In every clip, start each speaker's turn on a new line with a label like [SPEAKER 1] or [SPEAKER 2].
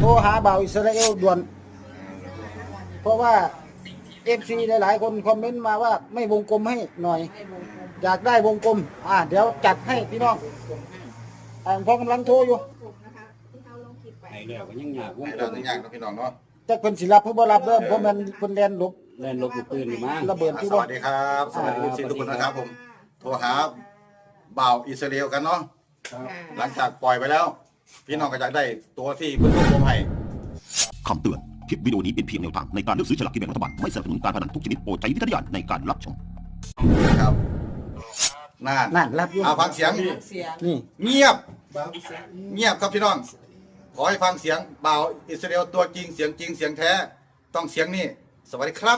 [SPEAKER 1] โทรหาบ่าวอิสราเอลด่วนเพราะว่าFC หลายๆคนคอมเมนต์มาว่าไม่วงกลมให้หน่อยอยากได้วงกลมเดี๋ยวจัดให้พี่น้องพอกำลังโทรอยู่
[SPEAKER 2] ไอ้เรื่องก็ยังยากวง
[SPEAKER 3] ให้
[SPEAKER 2] กล
[SPEAKER 3] เรา
[SPEAKER 2] ม
[SPEAKER 3] ต้องยากนะพี่น้องเนาะ
[SPEAKER 1] จักเพิ่นสิรับเพิ่นบ่รับเด้อเพราะมันเพิ่นแล่นหลบ
[SPEAKER 2] เล่นลบลูกปืนนี่มั้ง
[SPEAKER 1] ระเบิดที่
[SPEAKER 3] ส
[SPEAKER 1] บ่
[SPEAKER 3] วัสดีครับสวัสดีทุกคนนะครับผมโทรหาบ่าวอิสราเอลกันเนาะหลังจากปล่อยไปแล้ว พี่น้องก็อยากได้ตัวที่เพิ่นรวบรวมให้
[SPEAKER 4] คำเตือน คลิปวิดีโอนี้เป็นเพียงแนวทางในการเลือกซื้อฉลากกินแบ่งรัฐบาล ไม่สนับสนุนการพนันทุกชนิดโปรดใช้วิจารณญาณในการรับชม
[SPEAKER 3] ครับน่า
[SPEAKER 1] นั่นรับอยู่
[SPEAKER 3] ฟังเสียง
[SPEAKER 1] นี่
[SPEAKER 3] เงียบ เงียบครับพี่น้อง ขอให้ฟังเสียงบ่าวอิสราเอลตัวจริงเสียงจริงเสียงแท้ต้องเสียงนี่สวัสดีครับ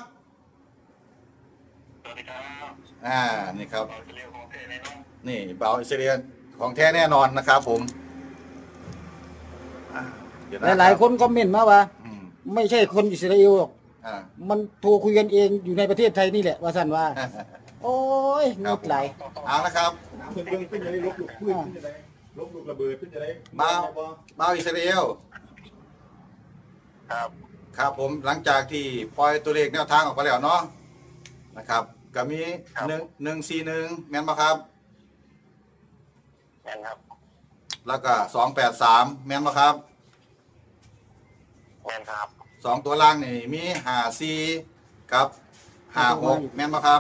[SPEAKER 5] สวัสดีครับ
[SPEAKER 3] นี่ครับ
[SPEAKER 5] เราจะเรียกของเทในน้อง
[SPEAKER 3] นี่บ่าวอิสราเอลของแท้แน่นอนนะครับผมเดี๋วะ
[SPEAKER 1] หลายๆคนคอมเมนต์มาว่า
[SPEAKER 3] อืม
[SPEAKER 1] ไม่ใช่คนอิสราเอลหรอก
[SPEAKER 3] อ่า
[SPEAKER 1] มันโทรคุยกันเองอยู่ในประเทศไทยนี่แหละว่าซั่นว่า โอ้ยงุดไหลาย
[SPEAKER 3] เอาละครับ
[SPEAKER 6] เพิ่นขึ้นจะได้ลบลูกพื้นขึ้นจะได้ลบลูกระเบิดขึ้นจะได้
[SPEAKER 3] บ่าวอิสราเอล
[SPEAKER 5] ครับ
[SPEAKER 3] ครับผมหลังจากที่ปล่อยตัวเลขแนวทางออกไปแล้วเนาะนะครับก็มี141แม่นบ่ครับ
[SPEAKER 5] แม่นครับ
[SPEAKER 3] แล้วก็283แม่นบ่ครับ
[SPEAKER 5] แม่นครับ
[SPEAKER 3] 2ตัวล่างนี่มี54กับ56แม่นบ่ครับ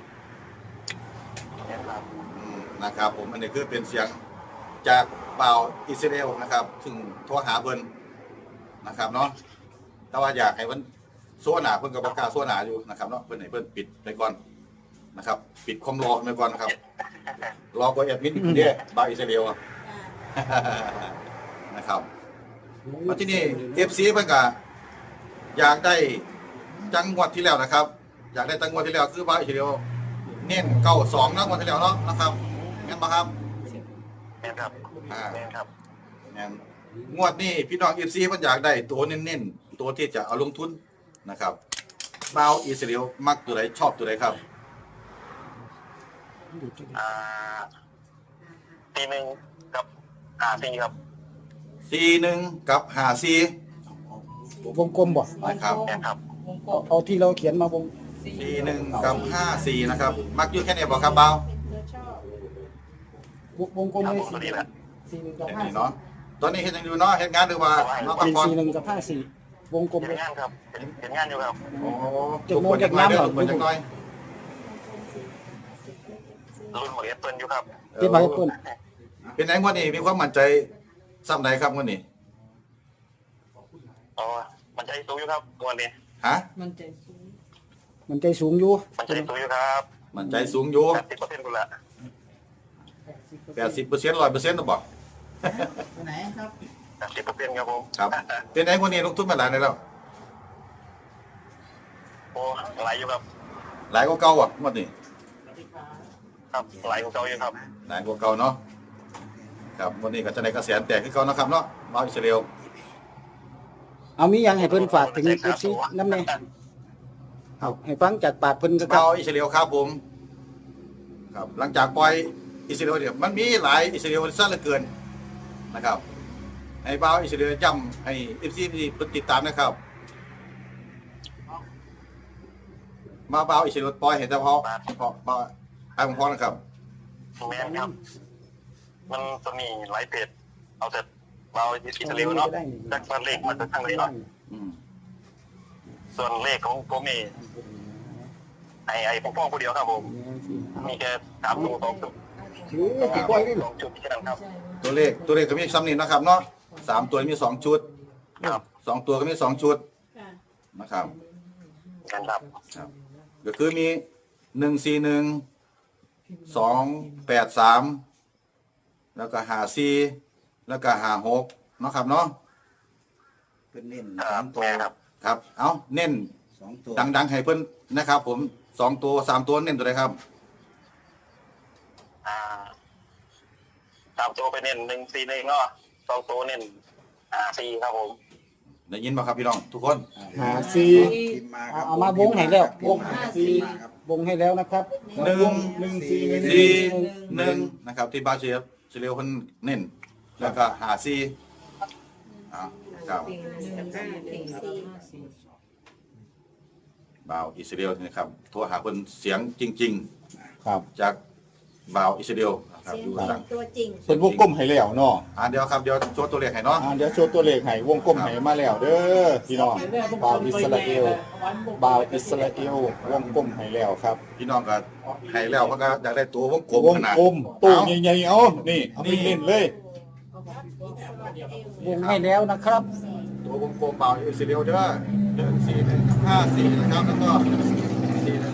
[SPEAKER 5] แม่นครับ
[SPEAKER 3] นะครับผมอันนี้คือเป็นเสียงจากบ่าวอิสราเอลนะครับซึ่งโทรหาเพิ่นนะครับเนาะแต่ว่าอยากให้เพิ่นโซหนาเพิ่นก็บ่กล้าโซหนาอยู่นะครับเนาะเพิ่นให้เพิ่นปิดไปก่อนนะครับ ปิดความรอไปก่อนนะครับ รอกว่าแอดมินเด้บ่าวอิสราเอลอะ นะครับมาที่นี่ FC เพิ่นก็อยากได้จังหวัดที่แล้วนะครับ อยากได้จังหวัดที่แล้วคือบ่าวอิสราเอลเน้น92นะงวดที่แล้วเนาะนะครับแม่นบ่ครับ
[SPEAKER 5] แม่นครับ แม่นครับ
[SPEAKER 3] แม่นงวดนี้พี่น้อง FC เพิ่นอยากได้ตัวเน้นๆตัวที่จะเอาลงทุนนะครับบ่าวอิสราเอลมักตัวใดชอบตัวใดครับ
[SPEAKER 5] ปีหนึ่งกับปีครับ
[SPEAKER 3] 41กับ54
[SPEAKER 1] วงกลมบ่
[SPEAKER 3] นะครับ
[SPEAKER 5] แม่นครับ
[SPEAKER 1] เอาที่เราเขียนมาวง
[SPEAKER 3] 41กับ54นะครับมักอยู่แค่นี้บ่ครับบ่าว
[SPEAKER 1] วงกลม
[SPEAKER 5] ครับ
[SPEAKER 1] เลย
[SPEAKER 5] ผมตัวนี้แหละ
[SPEAKER 1] 41กับ
[SPEAKER 3] แค่นี้เนาะตอนนี้เฮ็ดหยังอยู่เนาะเฮ็ดงานหรือว่าน้องพักผ่อน
[SPEAKER 1] 51กับ54วงกลม
[SPEAKER 5] เห็
[SPEAKER 1] เล
[SPEAKER 5] น
[SPEAKER 1] ย
[SPEAKER 5] งานครับเห็นงานอยู่ครับ
[SPEAKER 3] โอ้ทุกคนจักหน่อยเด้อทุกคนจักหน่อย
[SPEAKER 5] รุ่นหมดเอฟเปิลอยู่ครับ
[SPEAKER 1] เก็บไว้ให้เพิ่น
[SPEAKER 3] เป็นไงงวดนี้มีความมั่นใจซ้ำใดครับงวดนี้
[SPEAKER 5] อ๋อมันใจสูงอยู่ครับวันนี้
[SPEAKER 3] ฮะ
[SPEAKER 1] มันใจสูงอยู่
[SPEAKER 5] มันใจสูงอยู่ครับ
[SPEAKER 3] มั่นใจสูงอยู่
[SPEAKER 5] 80%กูละ
[SPEAKER 3] 80% 100%หรือบ่
[SPEAKER 1] ไหนครับ
[SPEAKER 5] 80%ครับผม
[SPEAKER 3] ครับเป็นไงงวดนี้ลงทุนมาหลายได้แล้ว
[SPEAKER 5] โอ้ไหลอยู่ครับ
[SPEAKER 3] หลายกว่าเก่าอ่ะงวดนี้
[SPEAKER 5] ครับไหลของเก่าอยู่ครับ
[SPEAKER 3] หลายกว่าเก่าเนาะครับงวดนี้ก็จะได้กระแสแตกคือเก่านะครับเนาะบ่าวอิสราเอล
[SPEAKER 1] เอามีหยังให้เพิ่นฝากถึง FC นำแน่เอาให้ฟังจากปากเพิ่นก็ครั
[SPEAKER 3] บ่า
[SPEAKER 1] บ
[SPEAKER 3] วอิสราเอลครับผมครับหลังจากปล่อยอิสราเอลเนี่ยมันมีหลายอิสราเอลซะเหลือเกินนะครับ ให้บ่าวอิสราเอลย้ำให้ FC ติดตามนะครับมาบ่าวอิสราเอลปล่อยเห็นแต่พอบ่าวให้ผมพอนะครับ
[SPEAKER 5] แม่นครับ มันจะมีหลายเพจเอาแต่เราอิสราเอลเนาะจากบ้านเลขมาจากทางไหนเนาะ
[SPEAKER 3] อืม
[SPEAKER 5] ส่วนเลขของผมเองไอ้ผมฟ้องคนเดียวครับผม มีแค่3ตัว2จุด
[SPEAKER 1] ถือสิปล่อยได้หรอ
[SPEAKER 5] 2จุดแค่นั้นครับ
[SPEAKER 3] ตัวเลขก็มีซ้ำนี่นะครับเนาะ3ตัวมี2ชุด
[SPEAKER 5] ครับ
[SPEAKER 3] 2ตัวก็มี2ชุดนะครับ
[SPEAKER 5] กันครับ
[SPEAKER 3] ครับก็คือมี141 283แล้วก็54แล้วก็56เนาะครับเนาะ
[SPEAKER 2] เป็นเน้น
[SPEAKER 5] ครับแม่ครับ
[SPEAKER 3] ครับเอาเน้น
[SPEAKER 2] 2ตัว
[SPEAKER 3] ดังๆให้เพิ่นนะครับผม2ตัว3ตัวเน้นตัวใดครับ
[SPEAKER 5] 3ตัวไปเน้น141เนาะ2ตัวเน้น4ครับผม
[SPEAKER 3] ได้ยินบ่ครับพี่น้องทุกคน
[SPEAKER 1] 54
[SPEAKER 2] พิมพ์มาครับ
[SPEAKER 1] เอามาวงให้แล้ววง
[SPEAKER 2] 54
[SPEAKER 1] วงให้แล้วนะครับ
[SPEAKER 3] 141นะครับที่บาเชียเฉลียวเพิ่นเน้นแล้วก็54เอาครับบ่าวอิสราเอลนะครับโทรหาเพิ่นเสียงจริง
[SPEAKER 6] ครับ
[SPEAKER 3] ๆ จากบ่าวอิสราเอลนะครับอยู่หลัง
[SPEAKER 7] ตัวจริง
[SPEAKER 6] เป็นวงกลมให้แล้วเนาะ
[SPEAKER 3] เดี๋ยวครับเดี๋ยวโชว์ตัวเลขให้เนาะ
[SPEAKER 6] เดี๋ยวโชว์ตัวเลขให้วงกลมให้มาแล้วเด้อพี่น้องบ่าวอิสราเอลบ่าวอิสราเอลวงกลมให้แล้วครับ
[SPEAKER 3] พี่น้องก็ให้แล้วเพิ่นก็อยากได้ตัววงกลม
[SPEAKER 6] วง
[SPEAKER 3] ขนาด
[SPEAKER 6] กลมตู้ใหญ่ๆเอานี่เอาไปเล่นเลย
[SPEAKER 1] วงให้แล้วนะครับ
[SPEAKER 3] ตัววงกลมบ่าวอิสราเอลเด้อ4154นะครับแล้วก็41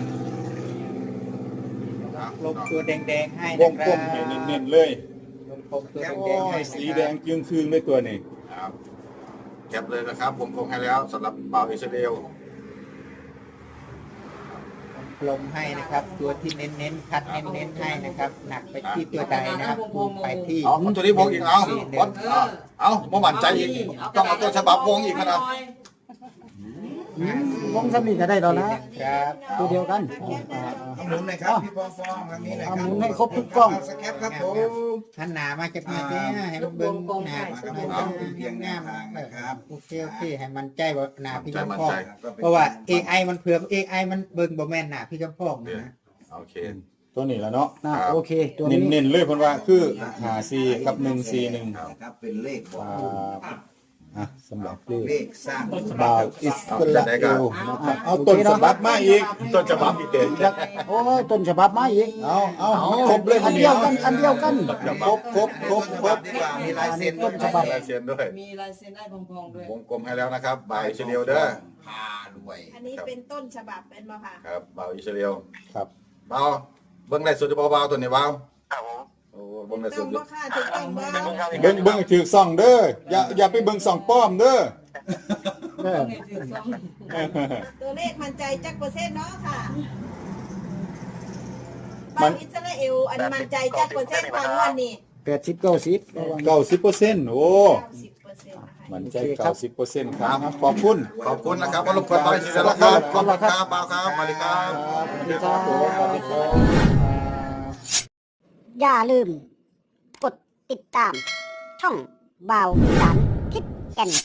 [SPEAKER 2] ลบตัวแดงๆให้
[SPEAKER 6] ว
[SPEAKER 2] นะ
[SPEAKER 6] ง
[SPEAKER 2] ค
[SPEAKER 6] กล
[SPEAKER 2] รั
[SPEAKER 6] มให้
[SPEAKER 2] บ
[SPEAKER 6] เน้นๆเลย
[SPEAKER 2] ลบตัว
[SPEAKER 6] โอ้
[SPEAKER 2] แดงๆให้
[SPEAKER 6] ยสีแดงจึงคืนเลยตัวนี้
[SPEAKER 3] ครับแคปเลยนะครับวงกลมให้แล้วสำหรับบ่าวอิสราเอล
[SPEAKER 2] ลงให้นะครับ ตัวที่เน้นๆคัดเน้นๆให้นะครับ หนักไปที่ตัวใดนะครับคูณไปที่
[SPEAKER 3] เอาตัวนี้วงอีกเอาบ่มั่นใจอีกต้องเอาตัวฉบับวงอีกนะ
[SPEAKER 1] วงสำนีก็ได้แล้วนะ
[SPEAKER 2] ครับ
[SPEAKER 1] ตัวเดียวกัน
[SPEAKER 2] หมุนเลยครับพี่ปองฟองทางนี้เลยครับ
[SPEAKER 1] หมุนให้ครบทุกกล้อง
[SPEAKER 2] สแคปครับผมท่านหนามาจากไหนเนี่ยให้มันเบิ่งหนาเพียงแนวทางนะครับโอเคให้มันใจว่าหนาพี่กำพองเพราะว่า AI มันเผื่อ AI มันเบิ่งบ่แม่นหนาพี่กำพองนะ
[SPEAKER 3] โอเค
[SPEAKER 6] ตัวนี้แล้วเนาะ
[SPEAKER 1] โอเค ตัวนี้
[SPEAKER 6] เน้นๆเลยเพิ่นว่าคือ54กับ141
[SPEAKER 2] ครับเป็นเลขบอก
[SPEAKER 6] สำหรับเล
[SPEAKER 2] เล
[SPEAKER 6] ข
[SPEAKER 2] ขสร้าง
[SPEAKER 6] บ่าวอิสราเอลนะครับเอาต้นฉบับมาอีก
[SPEAKER 3] ต้นฉบับอีกเด่น
[SPEAKER 1] โอ้ยต้นฉบับมาอีก
[SPEAKER 6] เอาครบเลย
[SPEAKER 1] อันเดียวกัน อันเดียวกัน
[SPEAKER 6] ครบ
[SPEAKER 2] ดีกว่ามีลายเซ็น
[SPEAKER 1] ต้นฉบับ
[SPEAKER 3] ลายเซ็นด้วย
[SPEAKER 7] มีลายเซ็นได้พองๆด้วย
[SPEAKER 3] วงกลมให้แล้วนะครับบ่าวอิสราเอลเด้อ
[SPEAKER 2] พารวย
[SPEAKER 7] อันนี้เป็นต้นฉบับเป็นบ่ค่ะ
[SPEAKER 3] ครับบ่าวอิสราเอล
[SPEAKER 6] ครับ
[SPEAKER 3] บ่าวเบิ่งได้สุดจะบ่าวตัวนี้บ่าว
[SPEAKER 5] ครับผม
[SPEAKER 3] โอ้เบิ่งได้
[SPEAKER 7] ต้
[SPEAKER 3] สุ
[SPEAKER 7] อ
[SPEAKER 3] ด
[SPEAKER 7] งบ่ค่ะถูกต้องบ่
[SPEAKER 5] เป็นคนข้างนี้
[SPEAKER 6] เบิ่งถือซ่องเด้ออย่าไปเบิ่งซ่องป้อมเด้อ
[SPEAKER 7] ตัวเลขมั่นใจจักเปอร์เซ็นต์เนาะค่ะ
[SPEAKER 6] มั
[SPEAKER 7] บาน งอิสราเอลอันมั่นใจจักเปอร์เซ็นต์ก่อนวันนี้
[SPEAKER 1] 80-90ระวัง
[SPEAKER 6] 90%โอ้
[SPEAKER 7] 90%นะคะ
[SPEAKER 6] มันใจ90%ครับขอบคุณ
[SPEAKER 3] ขอบคุณนะครับมารบกวนบ่าวอิสราเอลครับขอบคุณครับบ่าวครับสวัสดีครับ
[SPEAKER 1] สวัสดีครับสวัสดีครับ
[SPEAKER 8] อย่าลืม กดติดตาม ช่องบ่าวสารทิศแก่น